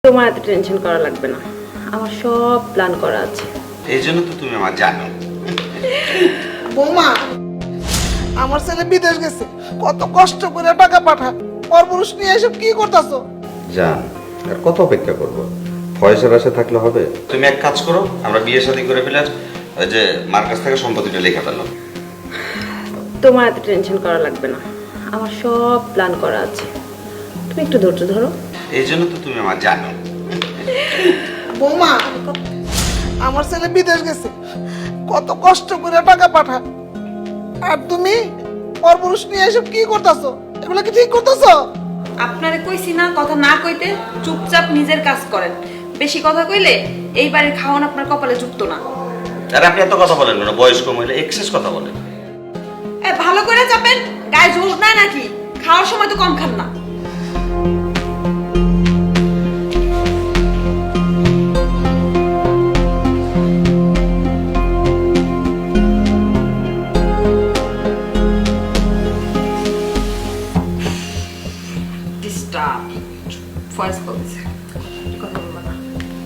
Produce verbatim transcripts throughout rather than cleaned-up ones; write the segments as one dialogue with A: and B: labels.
A: তোমার এত টেনশন করা লাগবে না, আমার সব প্ল্যান করা আছে।
B: এই জন্য তো তুমি আমার জানো।
C: বৌমা, আমার ছেলে বিদেশ গেছে, কত কষ্ট করে টাকা পাঠা, পরপুরুষ নিয়ে এসব কি করতেছো?
B: জান, আর কত অপেক্ষা করবো? পয়সার আশা থাকলে হবে? তুমি এক কাজ করো, আমরা বিয়ে শাদী করে ফেলে ওই যে মার কাছ থেকে সম্পত্তিটা লেখা পেলাম।
A: তোমার এত টেনশন করা লাগবে না, আমার সব প্ল্যান করা আছে। তুমি একটু ধৈর্য ধরো।
B: এই জন্য তো তুমি আমার জানো।
C: বৌমা, আমার ছেলে বিদেশ গেছে, কত কষ্ট করে টাকা পাঠা, আর তুমি পরপুরুষ নিয়ে এসব কি করতেছো? এগুলো কি ঠিক করতেছো?
D: আপনারে কইছি না কথা না কইতে, চুপচাপ নিজের কাজ করেন। বেশি কথা কইলে এই বাড়ির খাওয়ান আপনার কপালে যুক্ত না।
B: আর আপনি এত কথা বলেন না, বয়স্ক মহিলা এক্সেস কথা বলেন।
D: এ ভালো করে চাপেন, গায়ে জোর নাই নাকি? খাওয়ার সময় তো কম খান না। ডিস্টার্ব ফয়েজ বলছে কথা বলবো না।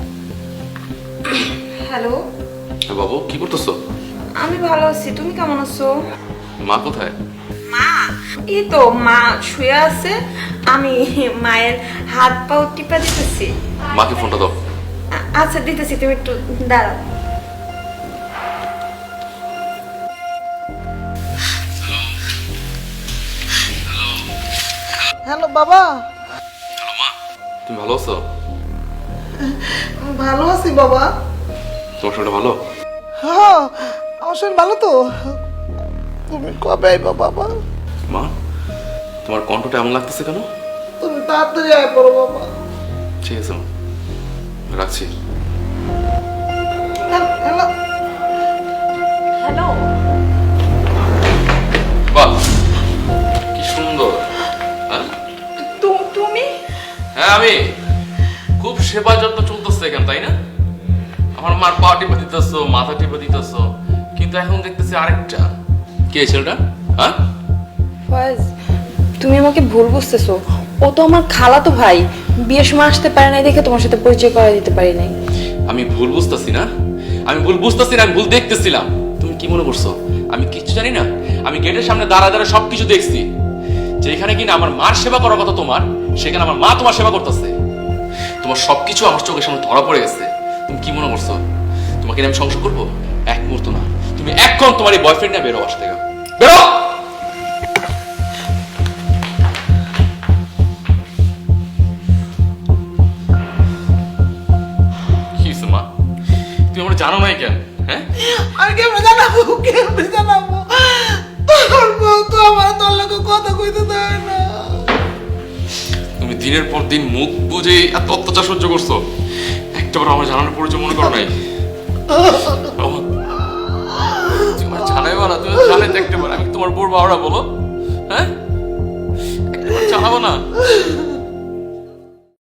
D: হ্যালো
E: বাবু, কি করতেছো?
D: আমি ভালো আছি, তুমি কেমন আছো?
E: মা কোথায়?
D: মা এই তো মা শুয়ে আছে, আমি মায়ের হাত পাও টিপা দিতেছি।
E: মাকে ফোনটা দাও।
D: আ- আচ্ছা দিতেছি, তুমি একটু দাঁড়াও।
C: হ্যালো বাবা।
E: হ্যালো মা, তুমি ভালো আছো?
C: ভালো আছি বাবা।
E: তোমার শরীরটা ভালো?
C: হ্যাঁ, আমার শরীর ভালো তো। তুমি কবে আইবা বাবা?
E: মা, তোমার কণ্ঠটা এমন লাগতেছে কেন?
C: তুমি তাড়াতাড়ি আয় পড়ো বাবা।
E: ঠিক আছে মা, রাখছি।
C: হ্যালো।
D: হ্যালো
E: বাহ, কি সুন্দর। হ্যাঁ
D: তুমি?
E: হ্যাঁ আমি। খুব সেবা যত্ন চলতেছে এখানে, তাই না? আমার মার পা টিপে দিতেছো, মাথা টিপে দিতেছো, কিন্তু এখন দেখতেছি আরেকটা। কে ছেলেটা? হ্যাঁ
D: ফয়েজ, তুমি আমাকে ভুল বুঝতেছো। ও তো আমার খালাতো ভাই, বিয়ের সময় আসতে পারে নাই দেখে তোমার সাথে পরিচয় করে দিতে পারি নাই।
E: আমি ভুল বুঝতেছি না, আমি ভুল বুঝতেছি না, আমি ভুল দেখতেছিলাম। তুমি কি মনে করছো আমি কিচ্ছু জানি না? আমি গেটের সামনে দাঁড়া দাঁড়া সবকিছু দেখছি। যেখানে কিনা আমার মার সেবা করার কথা তোমার, সেখানে আমার মা তোমার সেবা করতেছে। তোমার সবকিছু আমার চোখের সামনে ধরা পড়ে গেছে। তুমি কি মনে করছো তোমাকে নিয়ে আমি সংসার করবো? এক মুহূর্ত না। তুমি এখন তোমার এই বয়ফ্রেন্ড নিয়ে বেরো, বাসা থেকে বেরো। কি হইছে মা? তুমি আমার জানো নাই কেন? হ্যাঁ,
C: আর কেমনে জানাবো, কেমনে জানাবো? তোর বউ তো আমার তোর লোক কথা কইতে দেয় না।
E: তুমি দিনের পর দিন মুখ বুঝে এত অত্যাচার সহ্য করছো, একটাবার আমার জানানোর পরিচয় মনে করো নাই? বাবা, তুমি আমার জানাইবা না? তুমি জানাই দেখতে পারো আমি তোমার বোর বাবারা, বলো। হ্যাঁ, একটাবার জানাবো না?